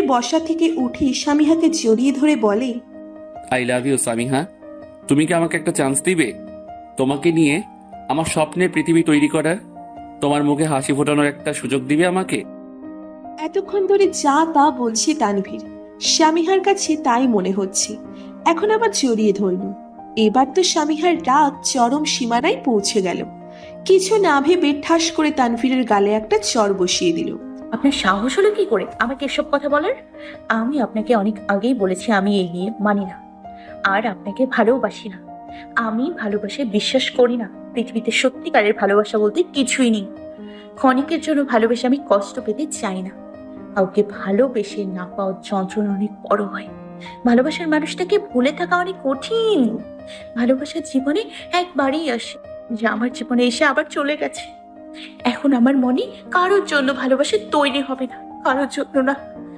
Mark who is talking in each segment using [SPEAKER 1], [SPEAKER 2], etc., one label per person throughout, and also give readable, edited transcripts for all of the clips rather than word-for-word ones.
[SPEAKER 1] বসা থেকে উঠে সামিহাকে জড়িয়ে ধরে বলে,
[SPEAKER 2] আই লাভ ইউ সামিহা। তুমি কি আমাকে একটা চান্স দিবে? তোমাকে নিয়ে আমার স্বপ্নের পৃথিবী তৈরি করার, তোমার মুখে হাসি ফোটানোর একটা সুযোগ দিবে আমাকে?
[SPEAKER 1] এতক্ষণ ধরে যা তা বলছে তানভীর, সামিহার কাছে তাই মনে হচ্ছে। এখন আবার জড়িয়ে ধরল। এবার তো সামিহার রাগ চরম সীমানায় পৌঁছে গেল। কিছু না ভেবে ঠাস করে তানভীরের গালে একটা চড় বসিয়ে দিল।
[SPEAKER 3] আপনার সাহস হলো কি করে আমাকে এসব কথা বলার? আমি আপনাকে অনেক আগেই বলেছি আমি এই নিয়ে মানি না, আর আপনাকে ভালোবাসি না। আমি ভালোবাসায় বিশ্বাস করি না। পৃথিবীতে সত্যিকারের ভালোবাসা বলতে কিছুই নেই। ক্ষণিকের জন্য ভালোবেসে আমি কষ্ট পেতে চাই না। কাউকে ভালোবেসে না পাওয়ার যন্ত্রণা অনেক বড় হয়। ভালোবাসার মানুষটাকে ভুলে থাকা অনেক কঠিন। ভালোবাসার জীবনে একবারই আসে, যে আমার জীবনে এসে আবার চলে গেছে। এখন আমার মনে কারোর জন্য ভালোবাসা তৈরি হবে না, কারোর জন্য না।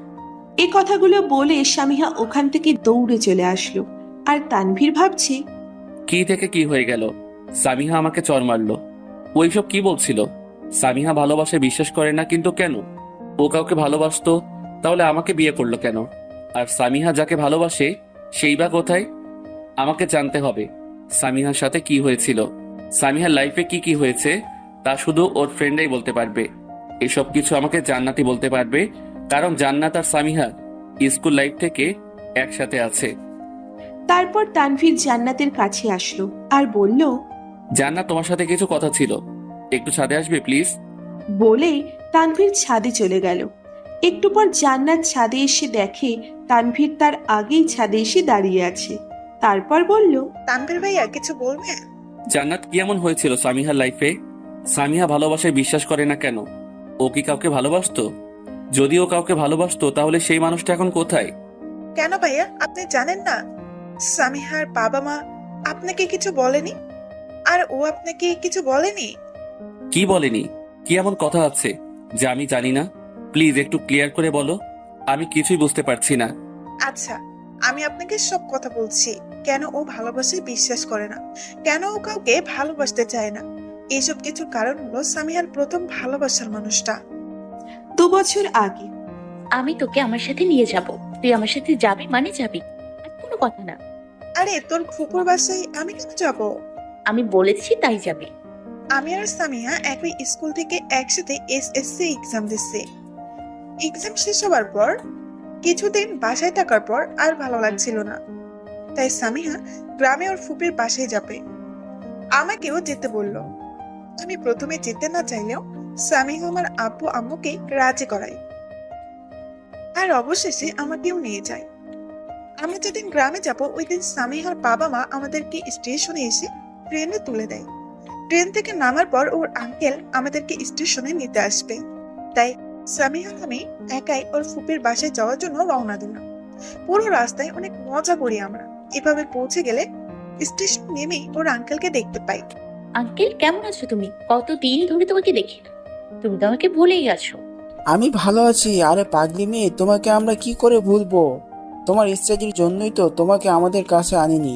[SPEAKER 1] এই কথাগুলো বলে সামিহা ওখান থেকে দৌড়ে চলে আসলো। আর তানভীর ভাবছে,
[SPEAKER 2] কি থেকে কি হয়ে গেল? সামিহা আমাকে চর মারলো। ওইসব কি বলছিল? সামিহা ভালোবাসায় বিশ্বাস করে না, কিন্তু কেন? ও কাউকে ভালোবাসতো, তাহলে আমাকে বিয়ে করলো কেন? আর সামিহা যাকে ভালোবাসে সেই বা কোথায়? আমাকে জানতে হবে সামিহার সাথে কি হয়েছিল। সামিহার লাইফে কি কি হয়েছে তা শুধু ওর ফ্রেন্ডাই বলতে পারবে। এসব কিছু আমাকে জান্নাতই বলতে পারবে, কারণ জান্নাত আর সামিহা স্কুল লাইফ থেকে একসাথে আছে।
[SPEAKER 1] তারপর তানভীর জান্নাতের কাছে আসলো আর বলল,
[SPEAKER 2] জান্নাত, তোমার সাথে কিছু কথা ছিল, একটু ছাদে আসবে প্লিজ?
[SPEAKER 1] বলে তানভীর ছাদে চলে গেল। একটু পর জান্নাত ছাদে এসে দেখে তানভীর তার আগেই ছাদে এসে দাঁড়িয়ে আছে। তারপর বলল,
[SPEAKER 4] তানভীর ভাইয়া কিছু বলবে?
[SPEAKER 2] জান্নাত, কি এমন হয়েছিল সামিহার লাইফে? সামিহা ভালোবাসায় বিশ্বাস করে না কেন? ও কি কাউকে ভালোবাসতো? যদি ও কাউকে ভালোবাসতো তাহলে সেই মানুষটা এখন কোথায়?
[SPEAKER 4] কেন ভাইয়া, আপনি জানেন না সামিহার বাবা মা আপনাকে কিছু বলেনি? আর ও আপনাকে কিছু বলেনি?
[SPEAKER 2] কি বলেনি? কি এমন কথা আছে যে আমি জানি না? প্লিজ একটু ক্লিয়ার করে বলো, আমি কিছুই বুঝতে পারছি না।
[SPEAKER 4] আচ্ছা, আমি আপনাকে সব কথা বলছি। কেন ও ভালোবাসায় বিশ্বাস করে না, কেন ও কাউকে ভালোবাসতে চায় না, এইসব কিছু কারণ হলো সামিহার প্রথম ভালোবাসার মানুষটা।
[SPEAKER 1] 2 বছর আগে।
[SPEAKER 3] আমি তোকে আমার সাথে নিয়ে যাব, তুই আমার সাথে যাবি মানে যাবি, আর কোনো কথা না।
[SPEAKER 4] আরে তোর ফুপুর বাসায় আমি কেন যাব?
[SPEAKER 3] আমি বলেছি তাই যাবি।
[SPEAKER 4] আমি আর সামিয়া একই স্কুল থেকে একসাথে এসএসসি এক্সাম দিচ্ছি। এক্সাম শেষ হবার পর কিছুদিন বাসায় থাকার পর আর ভালো লাগছিল না, তাই সামিহা গ্রামে ওর ফুপির বাসায় যাবে। আমাকেও যেতে বলল। আমি প্রথমে যেতে না চাইলেও সামিহা আমার আব্বু আম্মুকে রাজি করায়, আর অবশেষে আমাকেও নিয়ে যায়। আমরা যেদিন গ্রামে যাব ওই দিন সামিহার বাবা মা আমাদেরকে স্টেশনে এসে ট্রেনে তুলে দেয়। ট্রেন থেকে নামার পর ওর আঙ্কেল আমাদেরকে স্টেশনে নিতে আসবে, তাই সামিহা আমি একাই ওর ফুপির বাসায় যাওয়ার জন্য রওনা দিলাম। পুরো রাস্তায় অনেক মজা করি আমরা। এভাবে পৌঁছে গেলে স্টেশন নেমেই ওর আঙ্কেলকে দেখতে পাই।
[SPEAKER 3] আঙ্কেল, কেমন আছো তুমি? কতদিন ধরে তোমাকে দেখি না, তুমি তো আমাকে ভুলেই গেছো।
[SPEAKER 5] আমি ভালো আছি। আরে পাগলি মেয়ে, তোমাকে আমরা কি করে ভুলবো? তোমার স্ত্রীর জন্যই তো তোমাকে আমাদের কাছে আনিনি।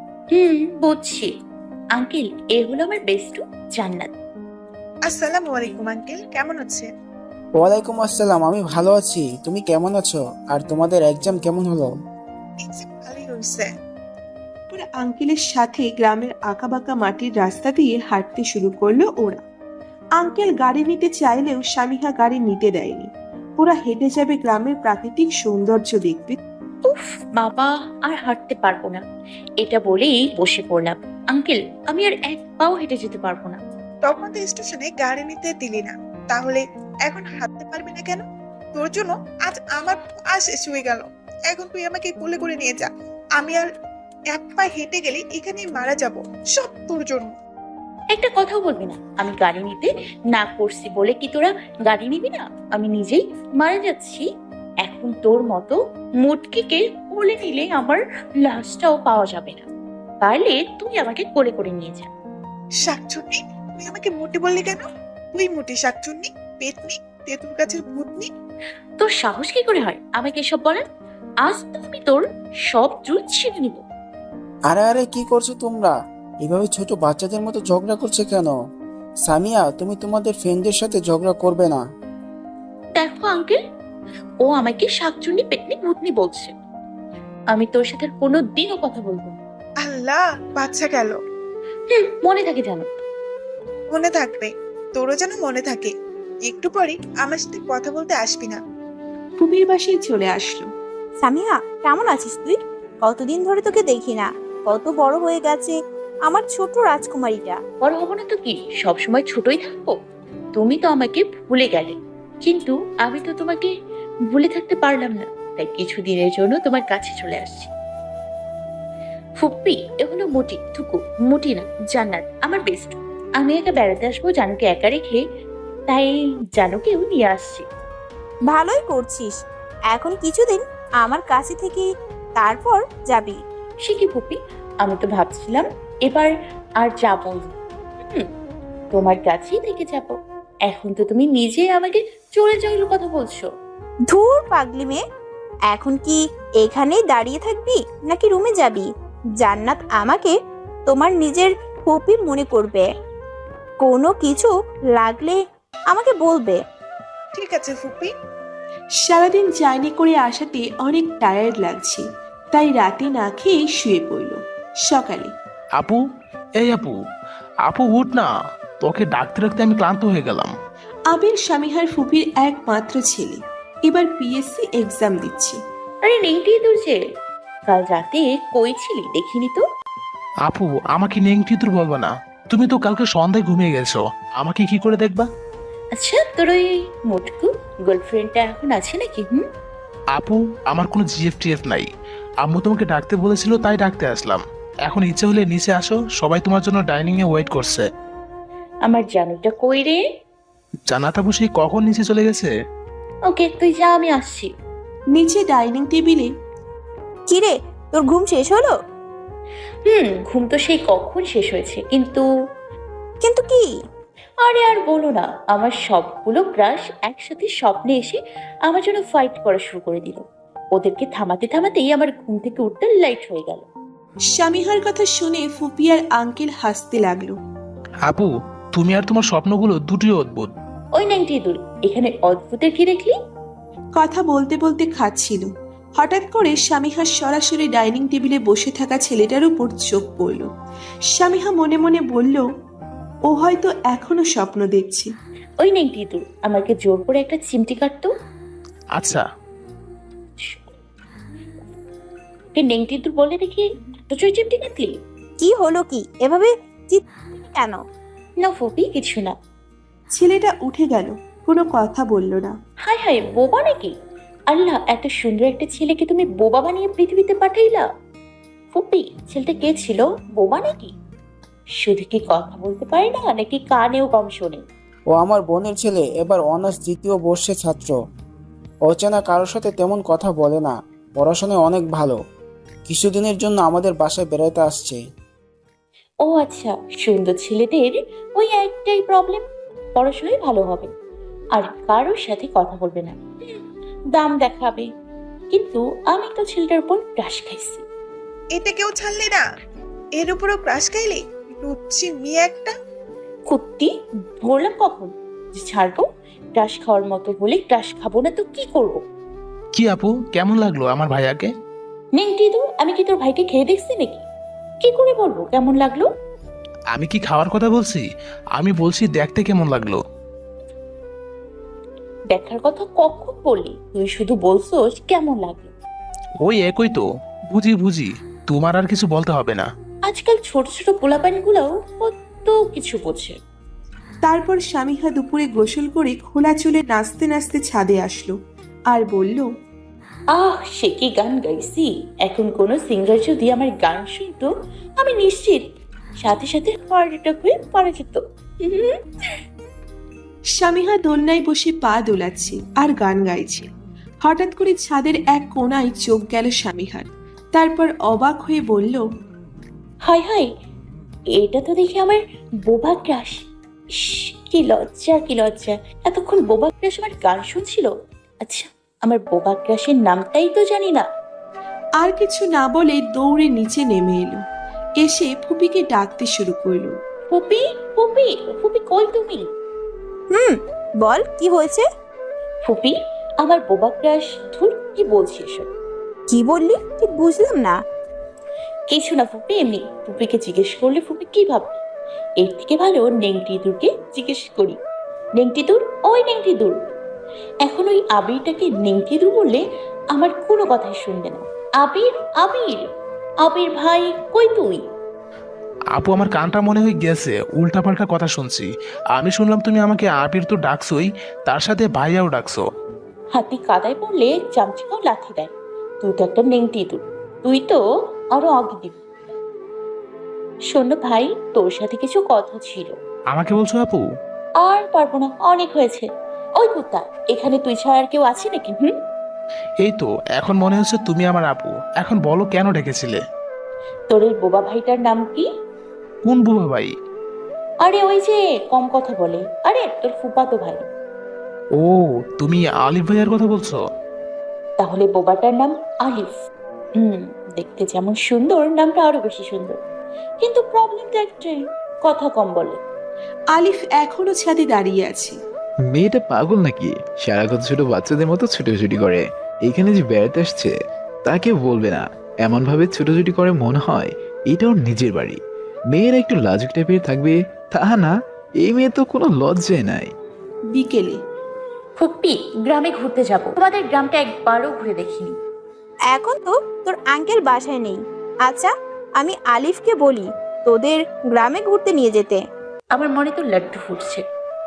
[SPEAKER 3] বুঝছি। আঙ্কেল, এ হলো আমার বেস্টু জান্নাত।
[SPEAKER 4] আসসালামু আলাইকুম আঙ্কেল, কেমন আছেন?
[SPEAKER 5] ওয়ালাইকুম আসসালাম, আমি ভালো আছি। তুমি কেমন আছো? আর তোমাদের এক্সাম কেমন হলো?
[SPEAKER 4] এক্সাম ভালোই হয়েছে।
[SPEAKER 1] ওরা আঙ্কেলের সাথে গ্রামের আঁকাবাঁকা মাটির রাস্তা দিয়ে হাঁটতে শুরু করলো ওরা। আঙ্কেল গাড়ি নিতে চাইলেও সামিহা গাড়ি নিতে দেয়নি। ওরা হেঁটে যাবে, গ্রামের প্রাকৃতিক সৌন্দর্য দেখবে।
[SPEAKER 3] উফ বাবা, আর হাঁটতে পারবো না, এটা বলেই বসে পড়লাম। আঙ্কেল, আমি আর এক পাও হেঁটে যেতে পারবো না।
[SPEAKER 4] তখন তো স্টেশনে গাড়ি নিতে দিলি না, তাহলে এখন হাঁটতে পারবি না কেন? তোর জন্য আজ আমার আজ শেষ হয়ে গেল। এখন তুই আমাকে কোলে করে নিয়ে যা। আমি আর এক পা হেঁটে গেলে এখানেই মারা যাব, সব তোর জন্য।
[SPEAKER 3] একটা কথাও বলবি না। আমি গাড়ি নিতে না করছি বলে কি তোরা গাড়ি নিবি না? আমি নিজেই মারা যাচ্ছি। এখন তোর মতো মুটকিকে কোলে নিলে আমার লাশটাও পাওয়া যাবে না। পারলে তুই আমাকে কোলে করে নিয়ে যা।
[SPEAKER 4] শাকচুন্নি, তুই আমাকে মোটি বললি কেন? তুই মোটি, শাকচুন্নি, পেতনি, তেঁতুল গাছের ভূতনি।
[SPEAKER 3] তোর সাহস কি করে হয় আমাকে এসব বলার? আজ তো আমি তোর সব চুল ছিঁড়ে নিব।
[SPEAKER 5] আরে আরে, কি করছো তোমরা? এভাবে ছোট বাচ্চাদের মতো ঝগড়া করছে কেন? সামিয়া, তুমি তোমাদের ফ্রেন্ডদের সাথে ঝগড়া করবে না।
[SPEAKER 3] দেখো আঙ্কেল, ও আমাকে শাকচুন্নি পেটনি ভূতনি বলছে। আমি তোর সাথে আর কোনোদিনও কথা বলবো না।
[SPEAKER 4] আল্লাহ, বাচ্চা গেল।
[SPEAKER 3] মনে থাকে জানো।
[SPEAKER 4] মনে থাকবে, তোরও যেন মনে থাকে। একটু পরে আমার সাথে কথা বলতে আসবি না।
[SPEAKER 1] ফুপির বাসায় চলে আসলো।
[SPEAKER 6] সামিহা, কেমন আছিস তুই? কতদিন ধরে তোকে দেখি না। কত বড় হয়ে গেছে আমার ছোট রাজকুমারীটা।
[SPEAKER 3] বড় হবো না তো কি, সবসময় ছোটই থাকবো? তুমি তো আমাকে ভুলে গেলে, কিন্তু আমি তো তোমাকে ভুলে থাকতে পারলাম না। তাই কিছুদিনের জন্য তোমার কাছে চলে আসছি। ফুপ্পি, এগুলো মোটি থুকু, মোটি না, জান্নাত আমার বেস্ট। আমি একা বেড়াতে আসবো জানুকে একা রেখে, তাই জানুকেও নিয়ে আসছি।
[SPEAKER 6] ভালোই করছিস। এখন কিছুদিন আমার কাছে থেকে তারপর যাবি।
[SPEAKER 3] সে কি ফুপ্পি, আমি তো ভাবছিলাম এবার আর যাবো না। হুম, তোমার কাছেই থেকে যাব। এখন তো তুমি নিজে আমাকে চলে যাওয়ার কথা বলছো।
[SPEAKER 6] ধুর পাগলি মেয়ে, এখন কি এখানেই দাঁড়িয়ে থাকবি নাকি রুমে যাবি? জান্নাত আমাকে তোমার নিজের পপি মনে করবে। কোনো কিছু লাগলে আমাকে বলবে।
[SPEAKER 4] ঠিক আছে ফুপি।
[SPEAKER 1] সারাদিন জার্নি করে আসাতে অনেক টায়ার্ড লাগছে, তাই রাতে না খেয়ে শুয়ে পড়ল। সকালে
[SPEAKER 7] আপু, এই আপু, আপু উঠ না, তোকে ডাকতে ডাকতে আমি ক্লান্ত হয়ে গেলাম।
[SPEAKER 1] আবির স্বামীহার ফুপির একমাত্র ছেলে, এবার পিএসসি এক্সাম দিচ্ছে।
[SPEAKER 3] আরে নেংটি তোর যে, কাল রাতে কই ছিলি দেখিনি তো।
[SPEAKER 7] আপু, আমাকে নেংটিতুর বলবা না। তুমি তো কালকে সন্ধ্যায় ঘুমিয়ে গেছো, আমাকে কি করে দেখবা?
[SPEAKER 3] আচ্ছা, তোর ওই মোটকু গার্লফ্রেন্ডটা এখন আছে নাকি?
[SPEAKER 7] আপু, আমার কোনো জিএফটিএফ নাই। আম্মু তোমাকে ডাকতে বলেছিল তাই ডাকতে আসলাম। এখন ইচ্ছে হলে নিচে আসো, সবাই তোমার জন্য ডাইনিং এ ওয়েট করছে।
[SPEAKER 3] আমার জানুটা কই রে?
[SPEAKER 7] জানাতা বসে কখন নিচে চলে গেছে?
[SPEAKER 3] ওকে, তুই যা, আমি আসছি।
[SPEAKER 1] নিচে ডাইনিং টেবিলে
[SPEAKER 6] কিরে, তোর ঘুম শেষ হলো?
[SPEAKER 3] ঘুম তো সেই কখন শেষ হয়েছে, কিন্তু
[SPEAKER 6] কিন্তু কি?
[SPEAKER 3] আরে আর বলো না, আমার সবগুলো ক্রাশ একসাথে স্বপ্নে এসে আমার জন্য ফাইট করা শুরু করে দিল। ওদেরকে থামাতে থামাতেই আমার ঘুম থেকে উঠতে লাইট হয়ে গেল।
[SPEAKER 1] স্বামীহার কথা শুনে ফুপি আর আঙ্কেল হাসতে লাগলো।
[SPEAKER 7] আপু, তুমি আর তোমার স্বপ্নগুলো দুটোই অদ্ভুত।
[SPEAKER 3] ওই নাইনটি দূর, এখানে অদ্ভুতের কি দেখলি?
[SPEAKER 1] কথা বলতে বলতে খাচ্ছিল। হঠাৎ করে স্বামীহা সরাসরি ডাইনিং টেবিলে বসে থাকা ছেলেটার উপর চোখ পড়ল। স্বামীহা মনে মনে বলল, ও হয়তো এখনো স্বপ্ন দেখছে।
[SPEAKER 3] ওই নাইনটি দূর, আমাকে জোর করে একটা চিমটি কাটতো।
[SPEAKER 7] আচ্ছা,
[SPEAKER 3] নেংটি দূর বলে দেখি, তো চুই চিমটি কাটলি?
[SPEAKER 6] কি হলো কি? এভাবে কেন?
[SPEAKER 3] না ফুপি, কিছু না।
[SPEAKER 1] ছেলেটা উঠে গেল, কোনো কথা বলল না।
[SPEAKER 3] হায় হায়, বোবা নাকি? আল্লাহ, এত সুন্দর একটা ছেলেকে তুমি বোবা বানিয়ে পৃথিবীতে পাঠাইলা। ফুপি, ছেলেটা কে ছিল? বোবা নাকি? শুধু কি কথা বলতে পারে না, নাকি কানেও কম শোনে?
[SPEAKER 5] ও আমার বোনের ছেলে, এবার অনার্স দ্বিতীয় বর্ষের ছাত্র। অচেনা কারোর সাথে তেমন কথা বলে না, পড়াশোনায় অনেক ভালো। কিছুদিনের জন্য আমাদের বাসায় বেড়াতে আসছে।
[SPEAKER 3] ও আচ্ছা, সুন্দর ছেলেদের ওই একটাই প্রবলেম, পড়াশোনায় ভালো হবে আর কারোর সাথে কথা বলবে না, দাম দেখাবে। কিন্তু আমি তো ছেলেটার উপর ক্রাশ খাইছি।
[SPEAKER 4] এটা কেউ ছাড়লি না, এর উপরও ক্রাশ খাইলি? লুচ্ছি মেয়ে একটা।
[SPEAKER 3] কুত্তি, বললাম কখন যে ছাড়বো? ক্রাশ খাওয়ার মতো বলে ক্রাশ খাবো না তো কি করবো?
[SPEAKER 7] কি আপু, কেমন লাগলো আমার ভাইয়াকে?
[SPEAKER 3] নেংটি দু, আমি কি তোর ভাইকে খেয়ে দেখছি নাকি? কি করে বলবো কেমন লাগলো?
[SPEAKER 7] আমি কি খাওয়ার কথা বলছি? আমি বলছি দেখতে কেমন লাগলো।
[SPEAKER 3] দেখার কথা কখন বললি? তুই শুধু বলছোস কেমন লাগলো।
[SPEAKER 7] ওই একই তো, বুঝি বুঝি, তোমার আর কিছু বলতে হবে না।
[SPEAKER 3] আজকাল ছোট ছোট পোলাপাইন গুলাও কত কিছু বোঝে।
[SPEAKER 1] তারপর স্বামীহা দুপুরে গোসল করে খোলা চুলে নাচতে নাচতে ছাদে আসলো আর বলল,
[SPEAKER 3] সে কি গান গাইছি! এখন কোন সিঙ্গার যদি আমার গান শুনতো, আমি নিশ্চিত সাথে সাথে হার্ট অ্যাটাক হয়ে মারা যেত।
[SPEAKER 1] স্বামীহা দোলনায় বসে পা দোলাচ্ছে আর গান গাইছে। হঠাৎ করে ছাদের এক কোণায় চোখ গেল স্বামীহার। তারপর অবাক হয়ে বলল,
[SPEAKER 3] হায় হায়, এটা তো দেখি আমার বোবা ক্রাশ। কি লজ্জা, কি লজ্জা! এতক্ষণ বোবা ক্রাশ আমার গান শুনছিল। আচ্ছা, আমার বোবা ক্রাশের নামটাই তো জানি না।
[SPEAKER 1] আর কিছু না বলে দৌড়ে নিচে নেমে এলো। এসে ফুপিকে ডাকতে শুরু করলো।
[SPEAKER 3] ফুপি, ফুপি, ফুপি কই তুমি?
[SPEAKER 6] বল, কি হয়েছে?
[SPEAKER 3] ফুপি, আমার বোবা ক্রাশ। ধুর, কি বলছি এসব?
[SPEAKER 6] কি বললি ঠিক বুঝলাম না।
[SPEAKER 3] কিছু না ফুপি, এমনি। ফুপিকে জিজ্ঞেস করলে ফুপি কি ভাববে? এর থেকে ভালো নেংটি দূরকে জিজ্ঞেস করি। নেংটি দূর, ওই নেংটি দূর। এখন ওই আবিরটাকে নেংটি দূর বললে আমার কোনো কথাই শুনবে না। আবির, আবির, আবির ভাই, কই তুই?
[SPEAKER 7] আপু, আমার কানটা মনে হয় গেছে, উল্টাপাল্টা কথা শুনছি। আমি শুনলাম তুমি আমাকে আবির তো ডাকছোই, তার সাথে ভাইয়াও ডাকছো।
[SPEAKER 3] হাতি কাদায় পড়লে চামচিকাও লাথি দেয়। তুই তো একটা নেংটি দূর, তুই তো আরো আগে দিবি। শোন না ভাই, তোর সাথে কিছু কথা ছিল।
[SPEAKER 7] আমাকে বলছো আপু?
[SPEAKER 3] আর পারবো না, অনেক হয়েছে। ওই কুত্তা, এখানে তুই ছাড়া আর কেউ আছে নাকি?
[SPEAKER 7] এই তো এখন মনে হচ্ছে তুমি আমার আপু। এখন বলো কেন ডেকেছিলে?
[SPEAKER 3] তোর এই বোবা ভাইটার নাম কি?
[SPEAKER 7] কোন বুবা ভাই?
[SPEAKER 3] আরে ওই যে কম কথা বলে, আরে তোর ফুফাতো ভাই।
[SPEAKER 7] ও, তুমি আলিফ ভাইয়ার কথা বলছো?
[SPEAKER 3] তাহলে বোবাটার নাম আলিফ। দেখতে যেমন সুন্দর, নামটা আরো বেশি সুন্দর। কিন্তু প্রবলেমটা একটাই, কথা কম বলে।
[SPEAKER 1] আলিফ এখনো ছাদে দাঁড়িয়ে আছে।
[SPEAKER 8] মেয়েটা পাগল নাকি? সারাক্ষণ ছোট বাচ্চাদের মতো ছুটোছুটি করে। এখানে যে বেড়াতে আসছে তা কেউ বলবে না। এমন ভাবে ছুটোছুটি করে মনে হয় এটা ওর নিজের বাড়ি। মেয়েরা একটু লাজুক টাইপের থাকবে, তা না, এই মেয়ে তো কোনো লজ্জায় নাই।
[SPEAKER 1] বিকেলে
[SPEAKER 3] ফুপ্পি, গ্রামে ঘুরতে যাব। তোমাদের গ্রামটা একবারও ঘুরে দেখিনি।
[SPEAKER 6] এখন তো তোর আঙ্কেল বাসায় নেই। আচ্ছা, আমি আলিফকে বলি তোদের গ্রামে ঘুরতে নিয়ে যেতে।
[SPEAKER 3] আমার মনে তো লাড্ডু ফুটছে।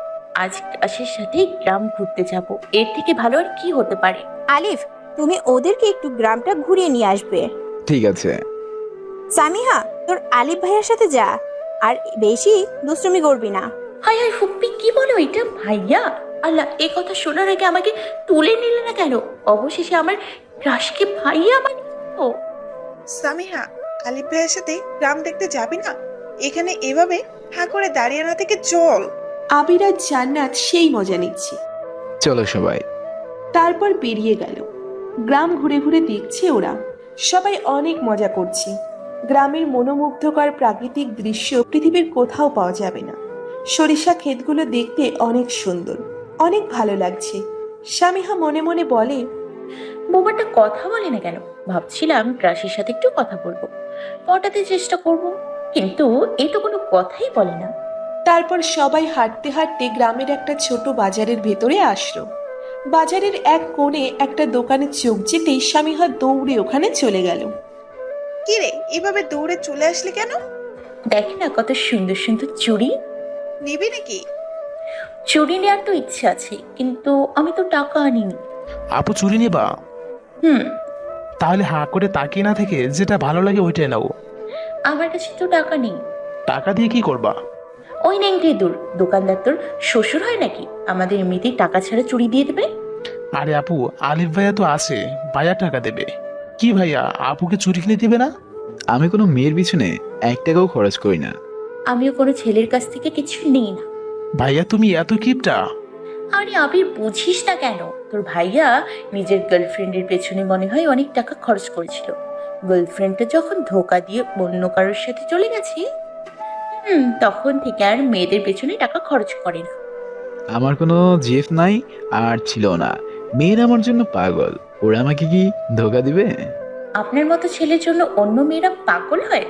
[SPEAKER 3] আজ ক্লাসের সাথে গ্রাম ঘুরতে যাব, এর থেকে ভালো আর কি হতে পারে?
[SPEAKER 6] আলিফ, তুমি ওদেরকে একটু গ্রামটা ঘুরিয়ে নিয়ে আসবে।
[SPEAKER 8] ঠিক আছে।
[SPEAKER 6] সামিহা, তোর আলিফ ভাইয়ের সাথে যা, আর বেশি দুষ্টুমি করবি না।
[SPEAKER 3] হাই হাই ফুপ্পি, কি বলো এটা? ভাইয়া, আল্লাহ, এই কথা শোনার আগে আমাকে তুলে নিলে না কেন? অবশেষে আমার ক্রাশকে ভাইয়া বানিয়ে।
[SPEAKER 4] সামিহা, আলিফ ভাইয়ের সাথে গ্রাম দেখতে যাবি না? এখানে এভাবে হা করে দাঁড়িয়ে না থেকে চল।
[SPEAKER 1] আবির আর জান্নাত সেই মজা নিচ্ছে।
[SPEAKER 8] চলো সবাই।
[SPEAKER 1] তারপর বেরিয়ে গেল। গ্রাম ঘুরে ঘুরে দেখছে ওরা। সবাই অনেক মজা করছে। গ্রামের মনোমুগ্ধকর প্রাকৃতিক দৃশ্য পৃথিবীর কোথাও পাওয়া যাবে না। সরিষা ক্ষেতগুলো দেখতে অনেক সুন্দর, অনেক ভালো লাগছে। স্বামীহা মনে মনে বলে,
[SPEAKER 3] বোবাটা কথা বলে না কেন? ভাবছিলাম ক্রাশের সাথে একটু কথা বলবো, পটাতে চেষ্টা করব, কিন্তু এ তো কোনো কথাই বলে না।
[SPEAKER 1] তারপর সবাই হাঁটতে হাঁটতে গ্রামের একটা ছোট বাজারের ভেতরে আসলো। বাজারের এক কোণে একটা দোকানে চোখ যেতেই স্বামীহা দৌড়ে ওখানে চলে গেল।
[SPEAKER 4] কি রে, এভাবে দৌড়ে চলে আসলি কেন?
[SPEAKER 3] দেখ না কত সুন্দর সুন্দর চুড়ি।
[SPEAKER 4] নিবি নাকি?
[SPEAKER 3] চুড়ি নেওয়ার তো ইচ্ছে আছে, কিন্তু আমি তো টাকা আনিনি।
[SPEAKER 7] আপু, চুরি নেবা?
[SPEAKER 3] হুম।
[SPEAKER 7] তাহলে হাঁ করে তাকিয়ে না থেকে যেটা ভালো লাগে ওইটাই নাও।
[SPEAKER 3] আমার কাছে তো টাকা নেই।
[SPEAKER 7] টাকা দিয়ে কি করবা?
[SPEAKER 3] ওই নেংটি দূর, দোকানদার তোর শ্বশুর হয় নাকি আমাদের এমনিতেই টাকা ছাড়া চুড়ি দিয়ে দেবে?
[SPEAKER 7] আরে আপু, আলিফ ভাইয়া তো আছে, ভাইয়া টাকা দেবে। কি ভাইয়া, আপুকে চুরি কিনে দিবে না?
[SPEAKER 8] আমি কোনো মেয়ের পিছনে 1 টাকাও খরচ করি না।
[SPEAKER 3] আমিও কোনো ছেলের কাছ থেকে কিছু নিই না।
[SPEAKER 7] ভাইয়া তুমি এত কিপটা?
[SPEAKER 3] আরে আবির, বুঝিস না কেন? তোর ভাইয়া নিজের গার্লফ্রেন্ডের পেছনে মনে হয় অনেক টাকা খরচ করেছিল। গার্লফ্রেন্ডটা যখন ধোকা দিয়ে অন্য কারোর সাথে চলে গেছে, তখন থেকে আর মেয়েদের পেছনে টাকা খরচ করে না।
[SPEAKER 8] আমার কোনো জিএফ নাই, আর ছিল না। মেয়েরা আমার জন্য পাগল। ওরা আমাকে কি ধোকা দিবে?
[SPEAKER 3] আপনার মতো ছেলের জন্য অন্য মেয়েরা পাগল হয়?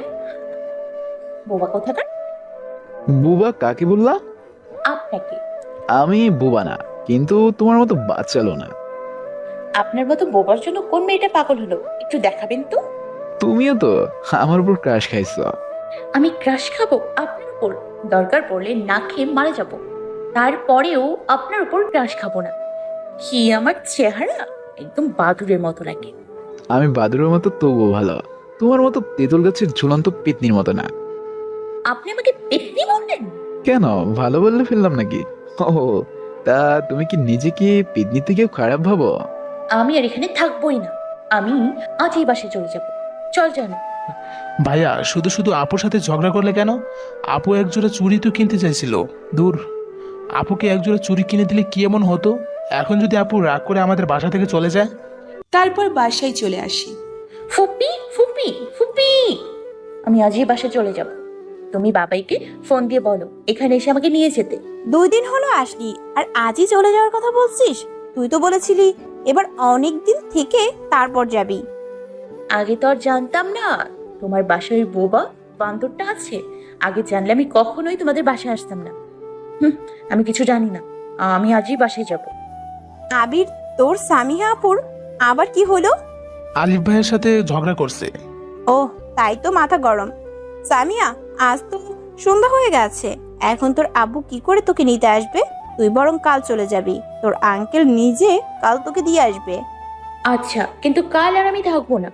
[SPEAKER 3] বোবা কোথাকার।
[SPEAKER 8] বুবা কাকে বললা?
[SPEAKER 3] আপনাকে।
[SPEAKER 8] আমি বুবা না, কিন্তু তোমার মতো বাচ্চালো না।
[SPEAKER 3] আপনার মতো বোবার জন্য কোন মেয়েটা পাগল হলো একটু দেখাবেন তো?
[SPEAKER 8] তুমিও তো আমার উপর ক্রাশ খাইছো।
[SPEAKER 3] আমি ক্রাশ খাবো আপনার উপর? দরকার পড়লে না খেয়ে মারা যাব, তারপরেও আপনার উপর ক্রাশ খাবো না। কি আমার চেহারা একদম বাদুরের মতো লাগে।
[SPEAKER 8] আমি বাদুরের মতো তবুও ভালো, তোমার মতো তেঁতুল গাছের ঝুলন্ত পেতনির মতো না।
[SPEAKER 3] আপনি আমাকে পেতনি বললেন?
[SPEAKER 8] কেন, ভালো বললে ফেললাম নাকি? ও, তা তুমি কি নিজেকে পেতনি থেকেও খারাপ ভাবো?
[SPEAKER 3] আমি আর এখানে থাকবোই না, আমি আজই বাসায় চলে যাব। চল জানো।
[SPEAKER 7] ভাইয়া, শুধু শুধু আপুর সাথে ঝগড়া করলে কেন? আপু একজোড়া চুড়ি তো কিনতে চাইছিল। দূর, আপুকে একজোড়া চুড়ি কিনে দিলে কি এমন হতো? এখন যদি আপু রাগ করে আমাদের বাসা থেকে চলে যায়?
[SPEAKER 1] তারপর বাসায় চলে আসি।
[SPEAKER 3] ফুপি, ফুপি, ফুপি, আমি আজই বাসায় চলে যাব। তুমি বাবাইকে ফোন দিয়ে বলো এখানে এসে আমাকে নিয়ে যেতে।
[SPEAKER 6] 2 দিন হলো আসলি, আর আজই চলে যাওয়ার কথা বলছিস? তুই তো বলেছিলি এবার অনেক দিন থেকে তারপর যাবি।
[SPEAKER 3] আগে তো আর জানতাম না তোমার বাসায় ওই বোবা বান্দরটা আছে। আগে জানলে আমি কখনোই তোমাদের বাসায় আসতাম না। আমি কিছু জানি না, আমি আজই বাসায় যাব।
[SPEAKER 6] আবির, তোর সামিহা আপুর আবার কি হলো?
[SPEAKER 7] আলিফ ভাইয়ের সাথে ঝগড়া করছে।
[SPEAKER 6] ও, তাই তো মাথা গরম। সামিয়া, আজ তো সন্ধ্যা হয়ে গেছে, এখন তোর আব্বু কি করে তোকে নিতে আসবে? তুই বরং কাল চলে যাবি, তোর আঙ্কেল নিজে কাল তোকে দিয়ে আসবে।
[SPEAKER 3] আচ্ছা, কিন্তু কাল আর আমি থাকবো না।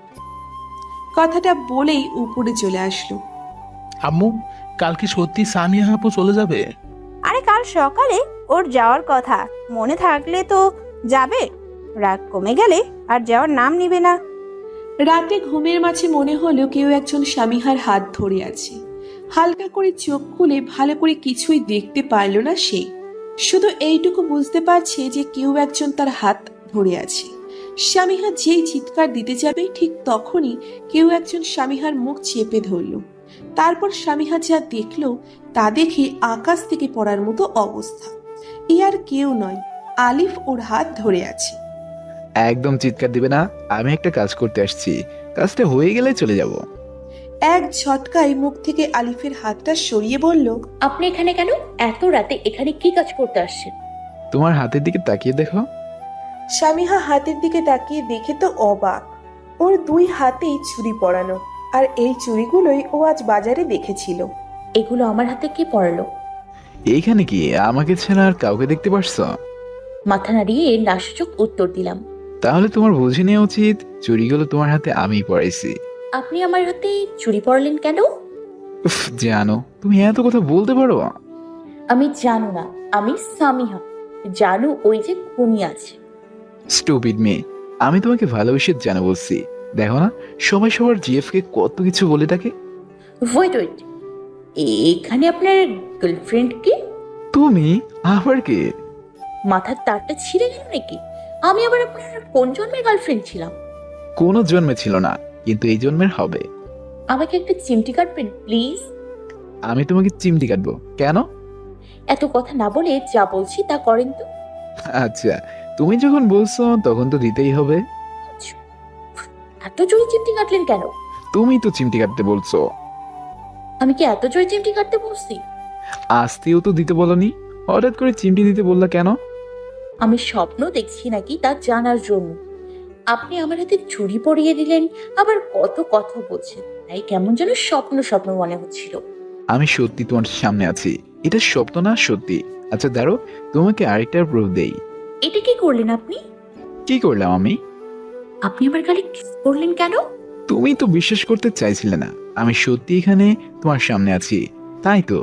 [SPEAKER 1] কথাটা বলেই উপরে চলে আসলো।
[SPEAKER 7] আম্মু, কাল কি সত্যি সামিয়া আপু চলে যাবে?
[SPEAKER 6] আরে কাল সকালে ওর যাওয়ার কথা, মনে থাকলে তো যাবে, রাগ কমে গেলে আর যাওয়ার নাম নিবে না।
[SPEAKER 1] রাতে ঘুমের মাঝে মনে হলো কেউ একজন স্বামীহার হাত ধরে আছে। হালকা করে চোখ খুলে ভালো করে কিছুই দেখতে পারল না সে, শুধু এইটুকু বুঝতে পারছে যে কেউ একজন তার হাত ধরে আছে। স্বামীহা যেই চিৎকার দিতে যাবে ঠিক তখনই কেউ একজন স্বামীহার মুখ চেপে ধরল। তারপর স্বামীহা যা দেখলো তা দেখে আকাশ থেকে পড়ার মতো অবস্থা। এ আর কেউ নয়, আলিফ ওর হাত ধরে আছে।
[SPEAKER 8] একদম চিৎকার দিবে না, আমি একটা কাজ করতে আসছি, কাজটা হয়ে গেলে চলে যাব।
[SPEAKER 1] এক ঝটকায় মুখ থেকে আলিফের হাতটা সরিয়ে বলল,
[SPEAKER 3] আপনি এখানে কেন? এত রাতে এখানে কি কাজ করতে আসছেন?
[SPEAKER 8] তোমার হাতের দিকে তাকিয়ে দেখো।
[SPEAKER 1] স্বামীহা হাতের দিকে তাকিয়ে দেখে তো অবাক। ওর দুই হাতেই চুড়ি পরানো, আর এই চুড়িগুলোই ও আজ বাজারে দেখেছিল।
[SPEAKER 3] এগুলো আমার হাতে কে পড়ালো?
[SPEAKER 8] এইখানে কি আমাকে ছাড়া আর কাউকে দেখতে পারছো?
[SPEAKER 3] মাথা নাড়িয়ে লাশচোখ উত্তর দিলাম।
[SPEAKER 8] তাহলে তোমার বুঝে নেওয়া উচিত চুরিগুলো তোমার হাতে আমিই পড়াইছি।
[SPEAKER 3] আপনি আমার হাতে চুরি পড়লেন কেন?
[SPEAKER 8] উফ, জানো তুমি এত কথা বলতে পারো?
[SPEAKER 3] আমি জানো না, আমি সামিহা। জানু ওই যে ঘুমিয়ে আছে।
[SPEAKER 8] স্টুপিড মেয়ে, আমি তোমাকে ভালোবেসে জানো বলছি। দেখো না, সবাই সবার জিএফ কে কত কিছু বলে থাকে।
[SPEAKER 3] ওয়েট ওয়েট, এখানে আপনার গার্লফ্রেন্ড কি?
[SPEAKER 8] তুমি আবার কে?
[SPEAKER 3] মাথার তারটা ছিঁড়ে গেল নাকি? আমি আবার আপনার কোন জন্মের গার্লফ্রেন্ড ছিলাম?
[SPEAKER 8] কোনো জন্মে ছিল না, কিন্তু এই জন্মের হবে।
[SPEAKER 3] আমাকে একটা চিমটি কাটবেন প্লিজ?
[SPEAKER 8] আমি তোমাকে চিমটি কাটবো কেন?
[SPEAKER 3] এত কথা না বলে যা বলছি তা করেন তো।
[SPEAKER 8] আচ্ছা, তুমি যখন বলছো তখন তো দিতেই হবে।
[SPEAKER 3] এত জোরে চিমটি কাটলেন কেন?
[SPEAKER 8] তুমি তো চিমটি কাটতে বলছো।
[SPEAKER 3] আমি কি এত জোরে চিমটি কাটতে বলছি?
[SPEAKER 8] আস্তেও তো দিতে বলনি, হঠাৎ করে চিমটি দিতে বললা কেন?
[SPEAKER 3] আমি স্বপ্ন দেখছি নাকি তা জানার জন্য। আপনি আমার হাতে চুড়ি পরিয়ে দিলেন, আবার কত কথা বলছেন, তাই কেমন যেন স্বপ্ন স্বপ্ন মনে হচ্ছিল।
[SPEAKER 8] আমি সত্যি তোমার সামনে আছি, এটা স্বপ্ন না সত্যি। আচ্ছা দাঁড়ো, তোমাকে আরেকটা প্রুফ দেই।
[SPEAKER 3] এটা কি করলেন আপনি?
[SPEAKER 8] কি করলাম আমি?
[SPEAKER 3] আপনি আমার গালে কিস করলেন কেন?
[SPEAKER 8] তুমি তো বিশ্বাস করতে চাইছিলে না আমি সত্যি এখানে তোমার সামনে আছি, তাই তো।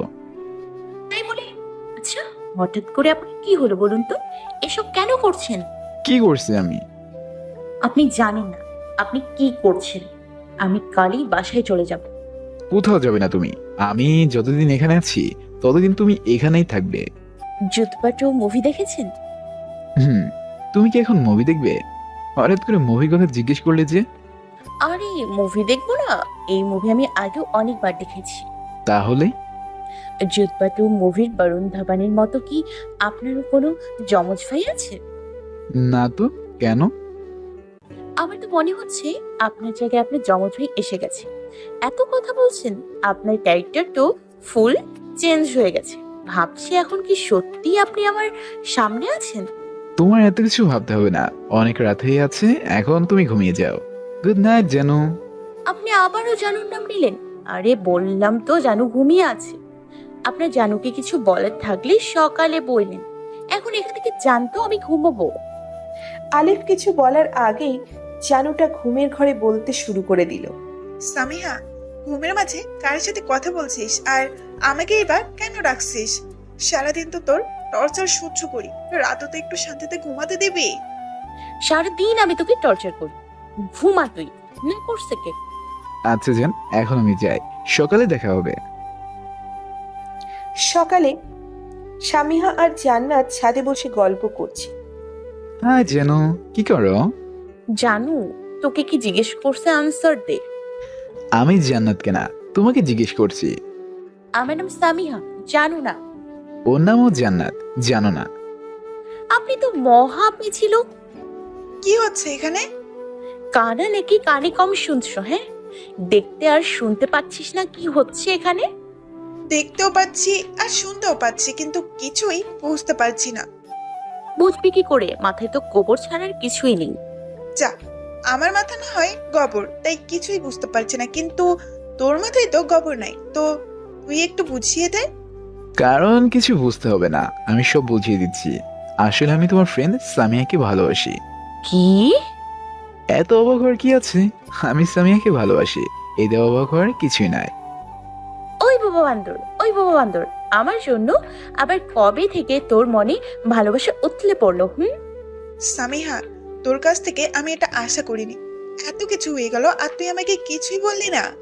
[SPEAKER 3] তাই বলে? আচ্ছা, হঠাৎ করে আপনি কি হলো বলুন তো? এসব কেন করছেন?
[SPEAKER 8] কি করছি আমি?
[SPEAKER 3] আপনি জানেন না আপনি কি করছেন। আমি কালই বাসায় চলে যাব।
[SPEAKER 8] কোথাও যাবে না তুমি, আমি যতদিন এখানে আছি ততদিন তুমি এখানেই থাকবে।
[SPEAKER 3] যুদ্ধপাটো মুভি দেখেছেন?
[SPEAKER 8] হুম, তুমি কি এখন মুভি দেখবে? হঠাৎ করে মুভির কথা জিজ্ঞেস করলে যে?
[SPEAKER 3] আরে মুভি দেখবো না, এই মুভি আমি আগেও অনেকবার দেখেছি।
[SPEAKER 8] তাহলে?
[SPEAKER 3] যুদ্ধপাটো মুভির বরুণ ধাবানের মতো কি আপনারও কোনো জমজ ভাই আছে?
[SPEAKER 8] না তো, কেন?
[SPEAKER 3] আমার তো মনে হচ্ছে আপনার জায়গায় আপনার জমজ ভাই এসে গেছে। এত কথা বলছেন, আপনার ক্যারেক্টার তো ফুল চেঞ্জ হয়ে গেছে। ভাবছি এখন কি সত্যি আপনি আমার সামনে আছেন?
[SPEAKER 8] তোমার এত কিছু ভাবতে হবে না, অনেক রাত হয়ে আছে, এখন তুমি ঘুমিয়ে যাও। গুড নাইট জানু।
[SPEAKER 3] আপনি আবারও জানুর নাম নিলেন। আরে বললাম তো জানু ঘুমিয়ে আছে। আপনার জানুকে কিছু বলার থাকলে সকালে বললেন, এখন এখান থেকে জানতো আমি ঘুমাবো।
[SPEAKER 1] আলিফ কিছু বলার আগেই জানুটা ঘুমের ঘরে বলতে শুরু করে দিল,
[SPEAKER 4] সামিহা, ঘুমের মাঝে কার সাথে কথা বলছিস আর আমাকে এবার কেন রাখছিস? সারাদিন তো তোর টর্চার সহ্য করি, রাতও তো একটু শান্তিতে ঘুমাতে দিবি?
[SPEAKER 3] সারাদিন আমি তোকে টর্চার করি, ঘুমা তুই না করছে কে?
[SPEAKER 8] আচ্ছা জান, এখন আমি যাই, সকালে দেখা হবে।
[SPEAKER 1] সকালে স্বামীহা আর জান্নাত ছাদে বসে গল্প করছে।
[SPEAKER 8] হ্যাঁ জানু, কি করো?
[SPEAKER 3] জানু তোকে কি জিজ্ঞেস করছে, আনসার দে।
[SPEAKER 8] আমি জান্নাতকে না, তোমাকে জিজ্ঞেস করছি।
[SPEAKER 3] আমার নাম সামিহা, জানু না?
[SPEAKER 8] ওর নামও জান্নাত, জানো না?
[SPEAKER 3] আপনি তো মহা পিছিল।
[SPEAKER 4] কি হচ্ছে এখানে?
[SPEAKER 3] কানা নাকি কানে কম শুনছো? হ্যাঁ, দেখতে আর শুনতে পাচ্ছিস না কি হচ্ছে এখানে?
[SPEAKER 4] দেখতেও পাচ্ছি আর শুনতেও পাচ্ছি, কিন্তু কিছুই বুঝতে পারছি না।
[SPEAKER 3] বুঝবি কি করে? মাথায় তো গোবর ছাড়ার কিছুই নেই।
[SPEAKER 4] যা, আমার মাথা না হয় গোবর, তাই কিছুই বুঝতে পারছি না, কিন্তু তোর মাথায় তো গোবর নাই, তো তুই একটু বুঝিয়ে দে।
[SPEAKER 8] কারণ কিছু বুঝতে হবে না, আমি সব বুঝিয়ে দিচ্ছি। আসলে আমি তোমার ফ্রেন্ড সামিয়াকে ভালোবাসি।
[SPEAKER 3] কি?
[SPEAKER 8] এত অবাক হওয়ার কি আছে? আমি সামিয়াকে ভালোবাসি, এতে অবাক হওয়ার কিছুই নাই।
[SPEAKER 3] ওই বাবা বান্দর, ওই বাবা বান্দর, আমার জন্য আবার কবে থেকে তোর মনে ভালোবাসা উতলে পড়লো?
[SPEAKER 4] সামিহা, তোর কাছ থেকে আমি এটা আশা করিনি। এত কিছু হয়ে গেল আর তুই আমাকে কিছুই বললি না।